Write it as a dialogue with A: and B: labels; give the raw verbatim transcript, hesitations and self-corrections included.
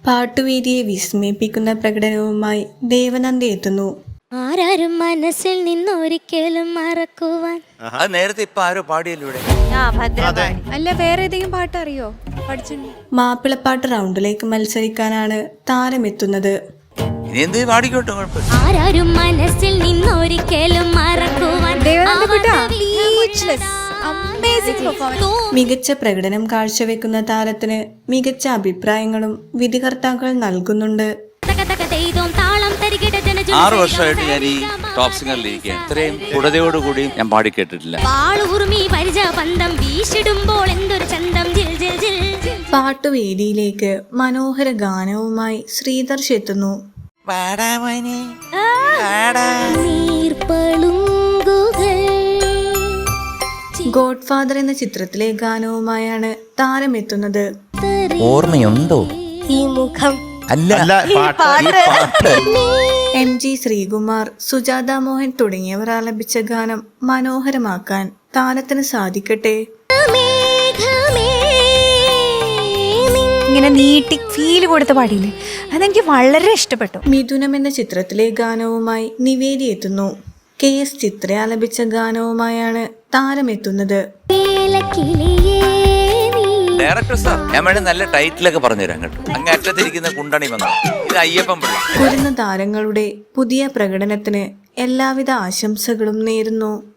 A: പാട്ടുവേദിയെ വിസ്മയിപ്പിക്കുന്ന പ്രകടനവുമായി ദേവനന്ദ എത്തുന്നു.
B: ആരാരും മനസ്സിൽ നിന്നൊരിക്കലും മറക്കുവാൻ.
C: അത് നേരത്തെ ഇപ്പൊ ആരോ പാടിയല്ലോ.
D: അല്ല, വേറെ ഏതെങ്കിലും പാട്ട് അറിയോ? പഠിച്ചിട്ടുണ്ട്.
A: മാപ്പിളപ്പാട്ട് റൗണ്ടിലേക്ക് മത്സരിക്കാനാണ് താരമെത്തുന്നത്.
B: ആരാരും മനസ്സിൽ നിന്നൊരിക്കലും മറക്കുവാൻ.
A: മികച്ച പ്രകടനം കാഴ്ചവെക്കുന്ന താരത്തിന് മികച്ച അഭിപ്രായങ്ങളും വിധികർത്താക്കൾ നൽകുന്നുണ്ട്.
C: ആറ് വർഷമായിട്ട് ഞാൻ ഈ ടോപ്പ് സിംഗറിൽ ഇരിക്കുകയാണ്. ഇത്രയും ദൃഢതയോടുകൂടി ഞാൻ പാടി കേട്ടിട്ടില്ല.
A: പാട്ടുവേദിയിലേക്ക് മനോഹര ഗാനവുമായി ശ്രീധർഷ് എത്തുന്നു. ഗോഡ് ഫാദർ എന്ന ചിത്രത്തിലെ ഗാനവുമായാണ് താരമെത്തുന്നത്.
E: ഓർമ്മയുണ്ടോ
B: ഈ മുഖം?
A: എം ജി ശ്രീകുമാർ, സുജാത മോഹൻ തുടങ്ങിയവർ ആലപിച്ച ഗാനം മനോഹരമാക്കാൻ താരത്തിന് സാധിക്കട്ടെ.
D: ഇങ്ങനെ നീട്ടി ഫീൽ കൊടുത്ത പാടിയില്ലേ, അതെനിക്ക് വളരെ ഇഷ്ടപ്പെട്ടു.
A: മിഥുനം എന്ന ചിത്രത്തിലെ ഗാനവുമായി നിവേദി എത്തുന്നു. കെ എസ് ചിത്ര ആലപിച്ച ഗാനവുമായാണ് താരമെത്തുന്നത്.
C: ഡയറക്ടർ സാർ, ഞാൻ വേണ്ടി നല്ല ടൈറ്റിലൊക്കെ പറഞ്ഞുതരാം കേട്ടോ. അങ്ങ് അറ്റത്തിരിക്കുന്ന കുണ്ടണി വന്നു. ഇത് അയ്യപ്പൻ പിള്ള.
A: വരുന്ന താരങ്ങളുടെ പുതിയ പ്രകടനത്തിന് എല്ലാവിധ ആശംസകളും നേരുന്നു.